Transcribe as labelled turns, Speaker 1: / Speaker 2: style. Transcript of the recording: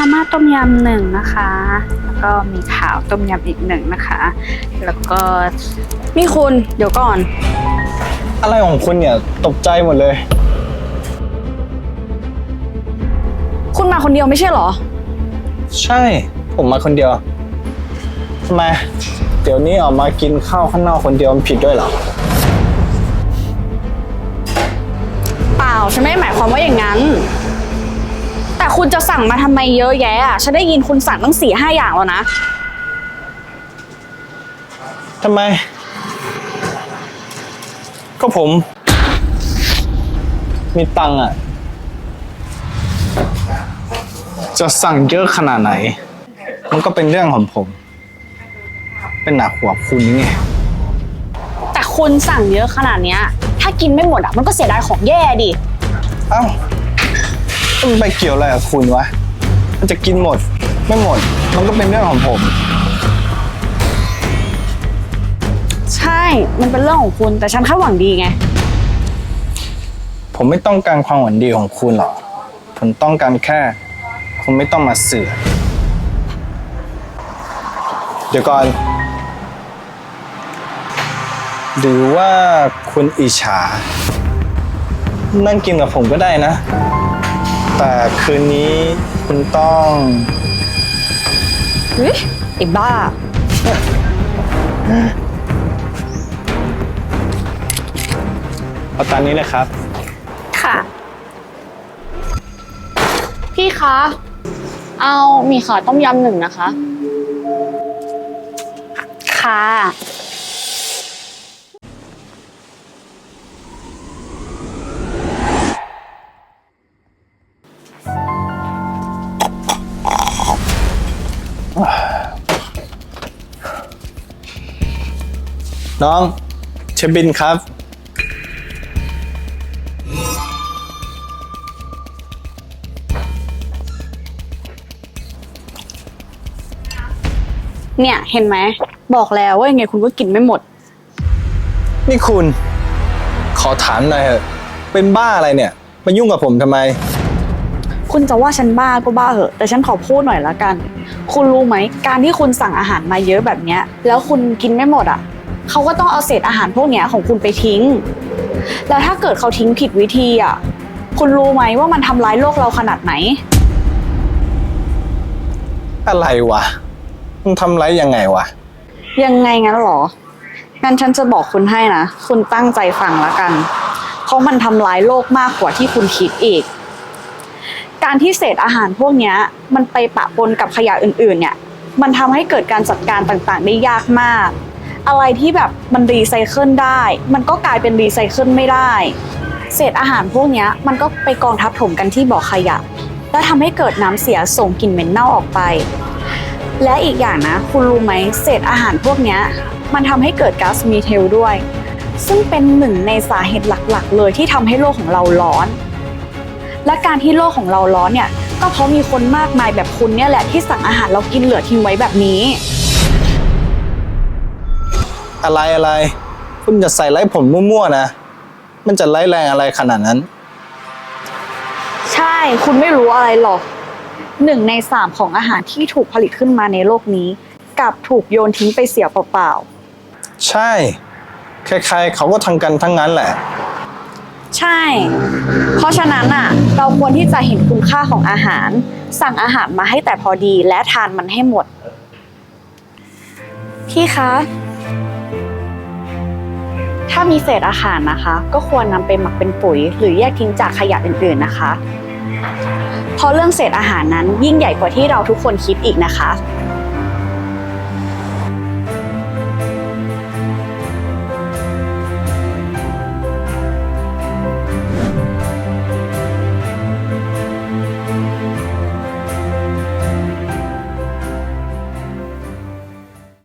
Speaker 1: มาม่าต้มยำ1นะคะแล้วก็มีข่าวต้มยำอีก1นะคะแล้วก็
Speaker 2: นี่คุณเดี๋ยวก่อน
Speaker 3: อะไรของคุณเนี่ยตกใจหมดเลย
Speaker 2: คุณมาคนเดียวไม่ใช่เหรอ
Speaker 3: ใช่ผมมาคนเดียวทำไมเดี๋ยวนี้ออกมากินข้าวข้างนอกคนเดียวมันผิดด้วยเหรอ
Speaker 2: เปล่าฉันไม่ได้หมายความว่าอย่างนั้นแต่คุณจะสั่งมาทำไมเยอะแยะอ่ะฉันได้ยินคุณสั่งตั้ง4-5 อย่างแล้วนะ
Speaker 3: ทำไมก็ผมมีตังค์อ่ะจะสั่งเยอะขนาดไหนมันก็เป็นเรื่องของผมเป็นหนักหัวคุณไง
Speaker 2: แต่คุณสั่งเยอะขนาดเนี้ยถ้ากินไม่หมดอ่ะมันก็เสียดายของแย่ดิ
Speaker 3: เอ้ามันไปเกี่ยวอะไรกับคุณวะมันจะกินหมดไม่หมดมันก็เป็นเรื่องของผม
Speaker 2: ใช่มันเป็นเรื่องของคุณแต่ฉันแค่หวังดีไง
Speaker 3: ผมไม่ต้องการความหวังดีของคุณหรอกผมต้องการแค่คุณไม่ต้องมาเสือกเดี๋ยวก่อนหรือว่าคุณอิจฉานั่งกินกับผมก็ได้นะแต่คืนนี้คุณต้อง
Speaker 2: เฮ้ยไอ้บ้า
Speaker 3: เอาตามนี้เลยครับ
Speaker 2: ค่ะพี่คะเอามีขาต้มยำ1นะคะ
Speaker 1: ค่ะ
Speaker 3: น้องเชฟบินครับ
Speaker 2: เนี่ยเห็นไหมบอกแล้วว่ายังไงคุณก็กินไม่หมด
Speaker 3: นี่คุณขอถามหน่อยเถอะเป็นบ้าอะไรเนี่ยมายุ่งกับผมทำไม
Speaker 2: คุณจะว่าฉันบ้าก็บ้าเหอะแต่ฉันขอพูดหน่อยละกันคุณรู้ไหมการที่คุณสั่งอาหารมาเยอะแบบเนี้ยแล้วคุณกินไม่หมดอ่ะเขาก็ต้องเอาเศษอาหารพวกเนี้ยของคุณไปทิ้งแล้วถ้าเกิดเขาทิ้งผิดวิธีอ่ะคุณรู้ไหมว่ามันทำร้ายโลกเราขนาดไหน
Speaker 3: อะไรวะมันทำร้ายยังไงวะ
Speaker 2: ยังไงงั้นหรองั้นฉันจะบอกคุณให้นะคุณตั้งใจฟังละกันเพราะมันทำร้ายโลกมากกว่าที่คุณคิดอีกการที่เศษอาหารพวกนี้มันไปปะปนกับขยะอื่นๆเนี่ยมันทำให้เกิดการจัดการต่างๆได้ยากมากอะไรที่แบบมันรีไซเคิลได้มันก็กลายเป็นรีไซเคิลไม่ได้เศษอาหารพวกนี้มันก็ไปกองทับถมกันที่บ่อขยะและทำให้เกิดน้ำเสียส่งกลิ่นเหม็นเน่าออกไปและอีกอย่างนะคุณรู้ไหมเศษอาหารพวกนี้มันทำให้เกิดก๊าซมีเทลด้วยซึ่งเป็น1ในสาเหตุหลักๆเลยที่ทำให้โลกของเราร้อนและการที่โลกของเราร้อนเนี่ยก็เพราะมีคนมากมายแบบคุณเนี่ยแหละที่สั่งอาหารเรากินเหลือทิ้งไว้แบบนี้
Speaker 3: อะไรคุณจะใส่ไล่ผมมั่วๆนะมันจะไล่แรงอะไรขนาดนั้น
Speaker 2: ใช่คุณไม่รู้อะไรหรอก1 ใน 3ของอาหารที่ถูกผลิตขึ้นมาในโลกนี้กลับถูกโยนทิ้งไปเสียเปล่า
Speaker 3: ๆใช่ใครๆเขาก็ทำกันทั้งนั้นแหละ
Speaker 2: ใช่เพราะฉะนั้นอ่ะเราควรที่จะเห็นคุณค่าของอาหารสั่งอาหารมาให้แต่พอดีและทานมันให้หมดพี่คะถ้ามีเศษอาหารนะคะก็ควรนำไปหมักเป็นปุ๋ยหรือแยกทิ้งจากขยะอื่นๆนะคะเพราะเรื่องเศษอาหารนั้นยิ่งใหญ่กว่าที่เราทุกคนคิดอีกนะคะ